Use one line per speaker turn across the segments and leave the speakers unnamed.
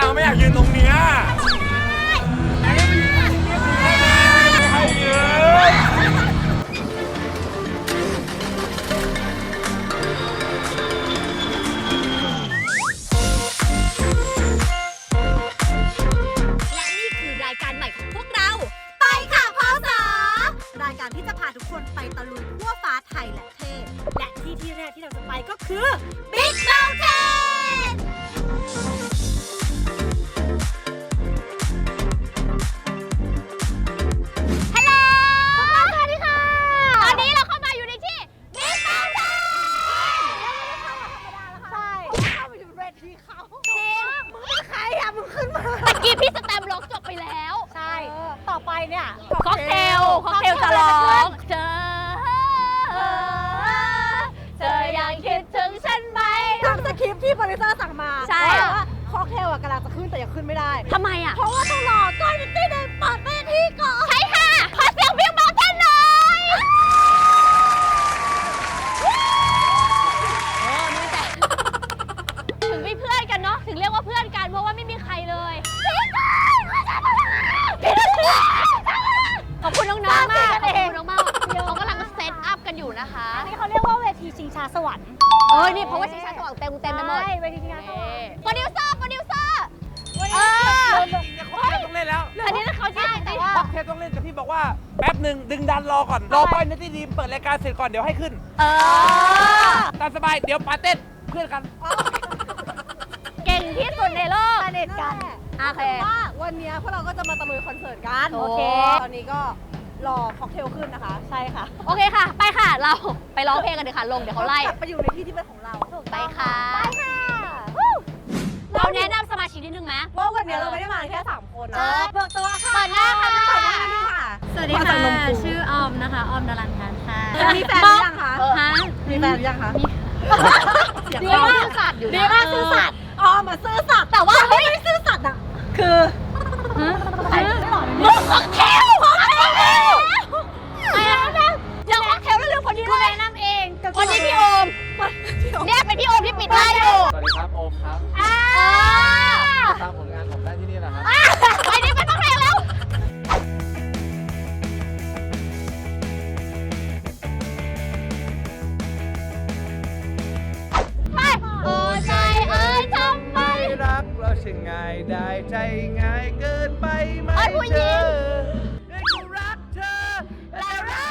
ไม่อยากยืนตรงเนี้ยไม่ให้ยืน
และนี่คือรายการใหม่ของพวกเราไปค่ะพศรายการที่จะพาทุกคนไปตะลุยทั่วฟ้าไทยและเทศและที่แรกที่เราจะไปก็คือ Big Mountain ฮัลโหลสวัสดีค่ะตอนนี้เราเข้ามาอยู่ในที่ Big Mountain ใช่เข้าไปอยู่เวทีเขาจริงมึงเป็นใครอ่ะมึงขึ้นมาตะกี้พี่สแตมป์ร้องจบไปแล้วใช่ต่อไปเนี่ยค็อกเทลจะร้องเธอยังคิดถึงฉันไหมตามสคริปต์ที่โปรดิวเซอร์สั่งมาใช่ว่าค็อกเทลกำลังจะขึ้นแต่ยังขึ้นไม่ได้ทำไมอ่ะเพราะว่าต้องรอก้อยนิตตี้เดินเปิดเวทีก่อนใช่ค่ะขอเสียงBig Mountainหน่อยถึงไม่เพื่อนกันเนาะถึงเรียกว่าเพื่อนกันเพราะว่าไม่มีใครเลยขอบคุณน้องๆมากขอบคุณน้องๆเขากำลังเซตอัพกันอยู่นะคะนี่เขาเรียกว่าเวทีชิงช้าสวรรค์นี่เพราะว่าชิงช้าสวรรค์เต็มไปหมดเวทีชิงช้าสวรรค์โปรดิวเซอร์
ต้องเล่นแล้ว
อันนี้เขาใช่แต่ว่า
ค็อกเทลต้องเล่นแต่พี่บอกว่าแป๊บหนึ่งดึงดันรอก่อนรอป้อยนัตตี้ดีมเปิดรายการเสร็จก่อนเดี๋ยวให้ขึ้นตามสบายเดี๋ยวปาเต้นเพื่อนกัน
เก่งที่สุดในโลกสนิทกันโอเค
ว่าวันนี้พวกเราก็จะมาตะลุยคอนเสิร์ตกัน
โอเค
ตอนนี้ก็รอค็อกเทลขึ้นนะคะใช่ค่ะ
โอเคค่ะไปค่ะเราไปร้องเพลงกันเลยค่ะลงเดี๋ยวเขาไล่
ไปอยู่ในที่ที่เป็นของเรา
ไปค่ะเราแนะนำสมาชิกนิดนึงไหม
ว่าวันนี้เราไม่ได้มาแค่3คนนะ
เปิดตัวค่ะเปิดหน้าค่ะ
สวัสดีค่ะชื่อออมนะคะออมดารันทันค่ะ
มีแฟนหรือยังคะมีแฟนหรือยังคะ
ดีมากซื่อสัตย์อยู่
ดีมากซื่อสัตย์มาซื่อสัตย์แต่ว่าไม่ซื่อสัตย์อ่ะคือ
มึงค็อกเทลยังค็อกเทลแล้วลืมคนนี้เลยแนะนำเองคนนี้พี่โอมเนี่ยเป็นพี่โอมที่ปิดได้อยู่
สวัสดีครับโอมครับตามผลงานผมได้ที่นี่แหละครับ
ไปนี่เป็นค็อกเทลแล้ว
รักเราช่างง่ายได้ใจง่ายเกินไปไหมเธอให้กูรักเธอและรั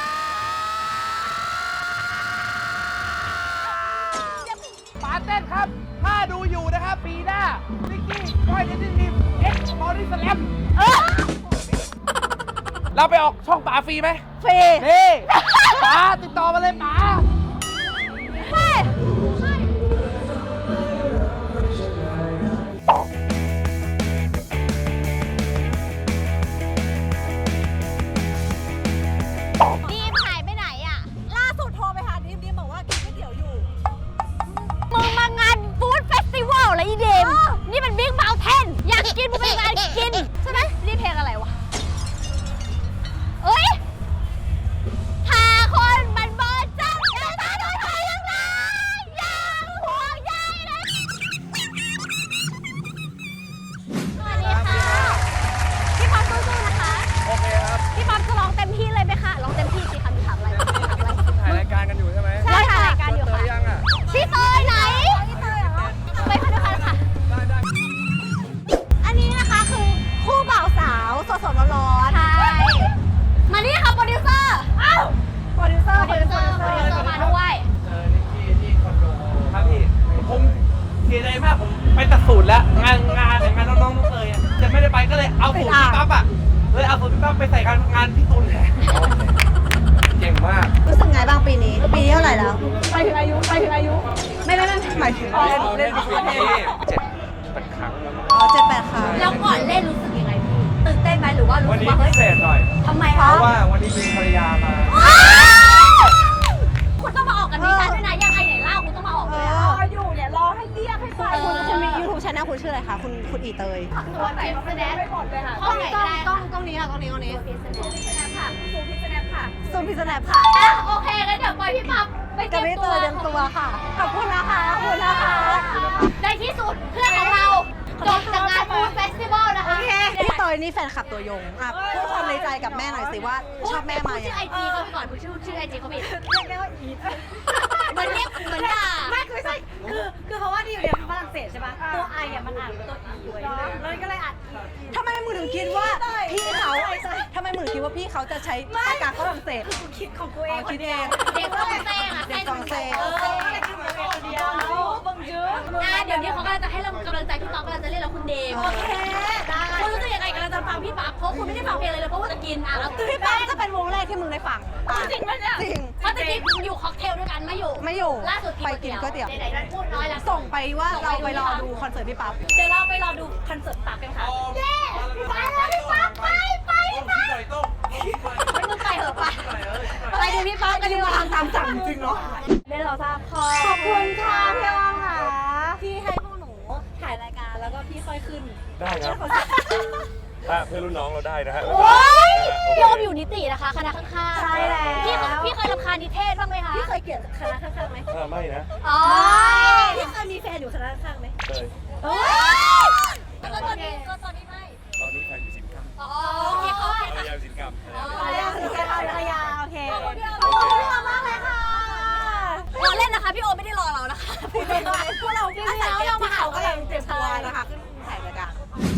กปาเต้นครับถ้าดูอยู่นะครับปีหน้านิกกี้ก้อยนิตตี้ดีมบอดี้สแลมเราไปออกช่องป๋าฟรีไหม
ฟรี
นี่ป๋าติดต่อมาเลยป๋า
แล้วอีเดมนี่มันบิ๊กเมาน์เทนอยากกินมึงไปงานกินใช่ไหมนี่เพลงอะไรวะเอ้ยหาคนมันบอดจังอย่าตาโดนใครยังไงยังห่วงใยเลยสวัสดีค่ะพี่ป๊อปสู้ๆนะคะ
โอเคครับ
พี่ป๊อปจะร้องเต็มที่เลยไหมคะร้องเต็มที่กี่คำถามอะไร
ถ่ายรายการกันอยู่ใช่ไหม
ใช่ถ่ายรายการอยู่ค่ะพี่เตยไหนไปค่ะด้วยกันค่ะอันนี้นะคะคือคู่บ่าวสาวสดๆร้อนๆใช่มานี่ค่ะโปรดิวเซอร์
โปรดิวเซอร์
มาด้วย
เจอนิกกี้ที่คอนโดครับพี่ผมเสียใจมากผมไปตัดสูตรแล้วงานน้องๆเลยจะไม่ได้ไปก็เลยเอาสูตรพี่ปั๊บอ่ะเลยเอาสูตรพี่ปั๊บไปใส่งานพี่ตูนแทนเก่งมาก
รู้สึกไงบ้างปีนี้เท่าไหร่แล้วไปถึงอายุไม่หมายถึงเล่น
ปีนี้7-8 ครั้ง
7-8 ครั้ง
แล้วก่อนเล่นรู้สึกยังไงตื่นเต้นไหมหรือว่ารู้สึกว่า
เฮ้ยพิเศษหน่อย
ทำไม
เพราะว่าวันนี้มีภรรยามา
คุณต้องมาออกกันดิฉันด้วยนะยังไงไหนเล่าคุณต้องมาออกเลย
อยู่เนี่ยรอให้เรียกให้ไปคุณมี YouTube Channel คุณชื่ออะไรคะคุณอีเตย
ตัวไหนแสดงไปหมดเลยค่ะ
กล้องนี้ค่ะกล้องนี้
ซูมพิษแนปค่ะ
ซูมพิษแนปค่ะ
โอเคงั้นเดี๋ยวปล่อยพี่ปั๊บไปเตรียม
ตัวค่ะขอบคุณนะคะ
ในที่สุดเพื่อนของเราจบจากงานฟูดเฟ
อยนี่แฟนคลับตัวยงอ่ะพูดความในใจกับแม่หน่อยสิว่าชอบแม่มา
ชื่
ยั
อง ไอ
ไง
จีเขาไปก่อนชื่อไอจีเขาผิด
เรียกได้ว่าอีท
เหมือนเรียกเหมือนด่า
ไม่คือใช่คือเพราะว่าที่อยู่เรียนฝรั่งเศสใช่ปะตัวไออ่ะมันอ่านตัวอีอยู่แล้วก็เลยอ่านอี
ทำไมมึงถึงคิดว่าพี่เขาทำไมมึงถึงคิดว่าพี่เขาจะใช้ภาษาฝรั่งเศส
คือกูคิดของกูเอ
อ๋อง คิดเอง
เด็กฟรองเศสอะ
เด็กฝรั่งเศส
ก็เลยคิดของกูเองคนเดียวบังเยอะ
เดี๋ยวนี้เขากำลังจะให้เรากำลังใจพี่ป๊อกกำลังจะเล่นแล้วคุณเดม
โอเคได้
คุณรู้สึกยังไงกำลังจะฟังพี่ป๊อกเพราะคุณไม่ได้ฟังเพลงเลยเพราะว่าจะกินแล้ว
พี่ป๊อกจะเป็นวงแรกที่มึงได้ฟัง
จริงไหมเนี่ย
จริง
เพราะจริงๆอยู่ค็อกเทลด้วยกันไม่อยู่
ไม่อยู่
ล่าสุด
ไปกินก๋วยเตี๋ยว
ไหนๆพูดน้อยแล้ว
ส่งไปว่าเราไปรอดูคอนเสิร์ตพี่ป๊อป
เดี๋ยวเราไปรอดูคอนเสิร์ตปั๊บกันค่ะ
เย้ไปแล้วพี่ป๊อกไป
ต้องคิดหน่อยต้องคิดหน่อย
ไม่มึงไปเหอะไป
ไปดูพี่ป๊อปกันดีกว่าตามสั่งจริงเนาะ
เดี๋ยวเราทราบขอบคุณค่ะพี่ออมค่ะที่ให้พวกหนูถ่ายรายการแล้วก็พี่ค่อยขึ้น
ได้ครับเพื่อนรุ่นน้องเราได้นะฮะ
โอ๊ยพี่โอมอยู่นิตินะคะคณะข้างๆ
ใช่แล้ว
พี่เคยรำคาญนิเทศบ้างไหมคะ
พี่เคยเกลียดคณะข้างๆไหม
ไม่นะ
อ๋อ
พี่เคยมีแฟนอยู่คณะข้างๆไหม
เคย
แล้วตอนนี้ไม่
ตอนนี้แฟนอยู่สินค้า
อ๋อโอเคเขา
ภรรยาอยู่สินค้า
ภรรยาคือภรรยาโอเค
ขอบคุณพี่โอมมากเลยค่ะเราเล่นนะคะพี่โอมไม่ได้รอเรานะคะ
พวกเราอาศัยเกมที่เขากำลังเตรียมตัวนะคะขึ้นถ่ายรายการ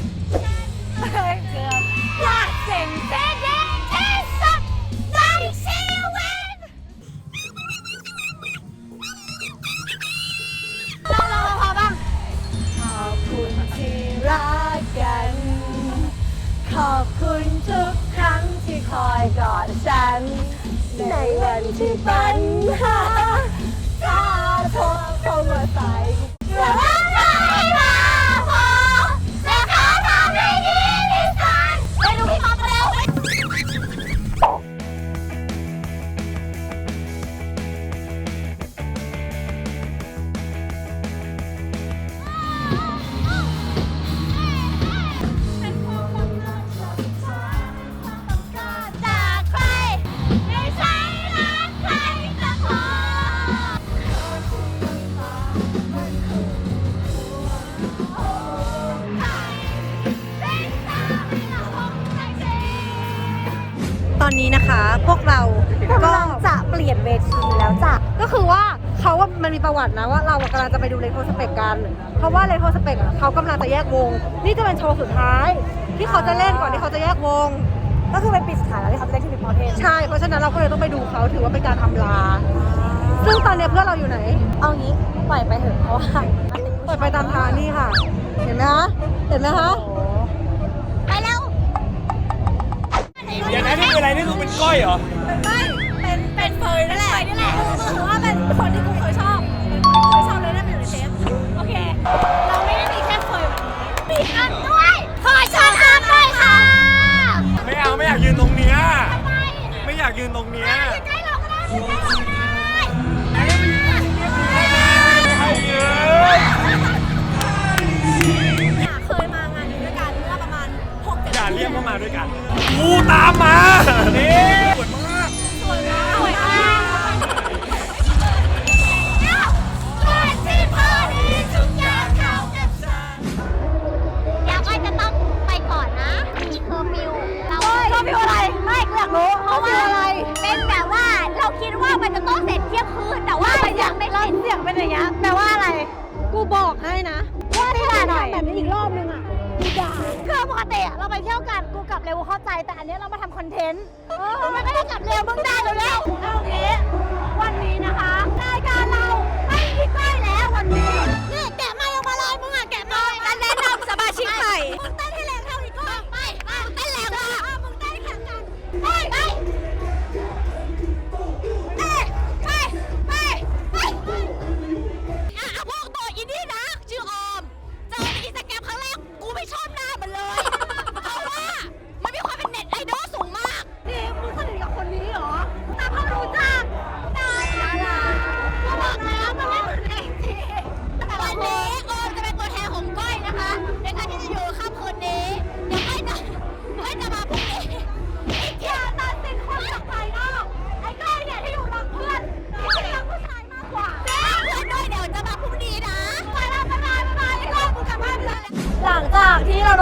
อยากเจ๋งเจ๊เด้งที่สุดในชีวิตเราพอบ้าง
ขอบคุณที่รักกัน ขอบคุณทุกครั้งที่คอยกอดฉัน ในวันที่ปัญหาถ้าโทรเข้ามาใส่
จะรักไม่มาพอจะขอทำให้ดีที่สุดไปดูพี่ป๊อปเร็วจากใครไม่ใช่รักใครสักคน
ตอนนี้นะคะพวกเราก็จะเปลี่ยนเวทีแล้วจ้ะก็คือว่าเขาว่ามันมีประวัตินะว่าเรากำลังจะไปดูเลโทสเปกกัน เพราะว่าเลโทสเปกเขากำลังจะแยกวง นี่จะเป็นโชว์สุดท้าย ที่เขาจะเล่นก่อนที่เขาจะแยกวง ก็คือเป็นปีสุดท้ายแล้วที่เขาจะเล่นที่บิ๊กมอเทนใช่เพราะฉะนั้นเราก็เลยต้องไปดูเขาถือว่าเป็นการอำลา ซึ่งตอนนี้เพื่อนเราอยู่ไหน เอางี้ปล่อยไปเถอะเพราะว่าปล่อยไปตามทางนี่ค่ะ เห็นไหมคะเห็นไหมคะ
ไปเร็ว
เดี๋ยวนะนี่คืออะไรนี่คือเป็นก้อยเหรอ
เป็นเฟยนั่นแหละคือว่าเป็นคนที่กูเคยชอบเลยนั่นเป็นอยู่ในเทปโอเค เราไม่ได้มีแค่เฟยวันนี้
มีอันด้วยขอเชิญอันด้วยค่ะ
ไม่เอาไม่อยากยืนตรงเนี้ยไม่อยากยืนตรงเนี้ย
ใกล้เราก็ได้ใกล้เราก็ได้
ให้ยืน
เคยมางานนี้ด้วยกันเมื่อประมาณ6-7
อย่าเรียกเข้ามาด้วยกันกูตามมานี่ปวดมาก
สวยมาก
สวยมากก่อนที่พอดีทุกอย่างเข้ากับฉันอยากไปจะต้องไปก่อนนะ มีเคอร์ฟิวเราเคอร์ฟิวอะไร ไม่กูอยากรู้เพราะว่าอะไรเป็นแบบว่าเราคิดว่ามันจะต้องเสร็จเที่ยงคืนแต่ว่ามันยังไม่เสร็จ
เสียงเป็นอย่างเงี้ยแปลว่าอะไร กูบอกให้นะว่าถ้าทำแบบนี้อีกรอบนึงอ่ะกูด่า
คือปกติอะเราไปเที่ยวกันกูกลับเร็วเข้าใจแต่อันเนี้ยเรามาทำคอนเทนต์มันไม่ได้กลับเร็วมึงได้เร็วๆเอางี้วันนี้นะคะรายการเราไม่มีก้อยแล้ววันนี้นี่แกะไม้ออกมาเลยมึงอะแกะไม้การแนะนำสมาชิกใหม่มึงเต้นให้แรงเท่าอีกก้อยไปมึงเต้นแรงว่ะมึงเต้นแข่งกันไปไปอ่ะพวกตัวอินดี้นะชื่อออมเจอในอินสตาแกรมครั้งแรกกูไม่ชอบหน้ามันเลย เพราะว่ามันมีความเป็นเน็ตไอดอลสูงมาก
นี่มึงสนิทกับคนนี้เหรอ
แต่พอรู้จักดารา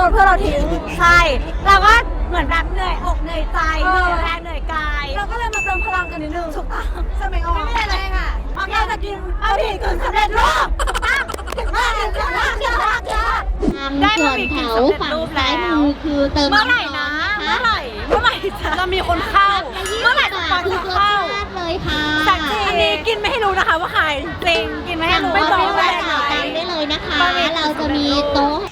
นเพื่อนเราทิ้งใช่เราก็เหมือนแบบเหนื่อยอกเหนื่อยใจเหนื่อยแรงเหนื่อยกายเราก็เลยมาเติมพลังกันนิดนึงถูกต้องใช่ไหมอ๋อไม่เป็นไรค่ะเราจะกินเอาผิดกึ่งสำเร็จรูปถูกต้องถึงมากถึงมากถึงมากได้มาผิดกึ่งสำเร็จรูปแล้ว
คือเติม
เมื่อไหร่นะเมื่อไหร่จะมีคนเข้าเมื่อไหร่จะปอนจะเข้า
เลยค่ะ
สักทีอันนี้กินไม่ให้รู้นะคะว่าใครจริงกินไม่ให้รู้ไม่บอกว่าใคร
ได้เลยนะคะ เราจะมีโต๊ะ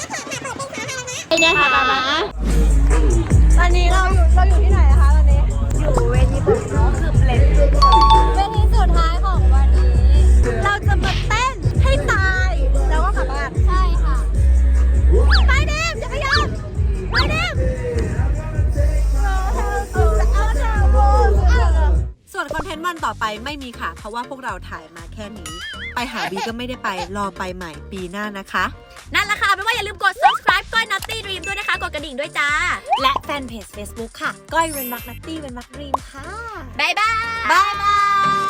นะคะ
ตอนนี้เราอยู่ที่ไหนนะคะตอนนี้อยู่เวทีผมเนาะคือเบลนเวทีสุดท้ายของวันนี้ เราจะมาเต้นให้ตายแล้วก็กลับบ้านใช่ค่ะไปเดมจักรยานไปเดมส่วนคอนเทนต์วันต่อไปไม่มีค่ะเพราะว่าพวกเราถ่ายมาแค่นี้ไปหาบีก็ไม่ได้ไปรอไปใหม่ปีหน้านะคะนั่นแหละค่ะไม่ว่าอย่าลืมกด subscribe ก้อย Nutty Dream ด้วยนะคะกดกระดิ่งด้วยจ้าและแฟนเพจ Facebook ค่ะก้อยเว้นวรรค Nutty เว้นวรรค Dream ค่ะบ๊ายบาย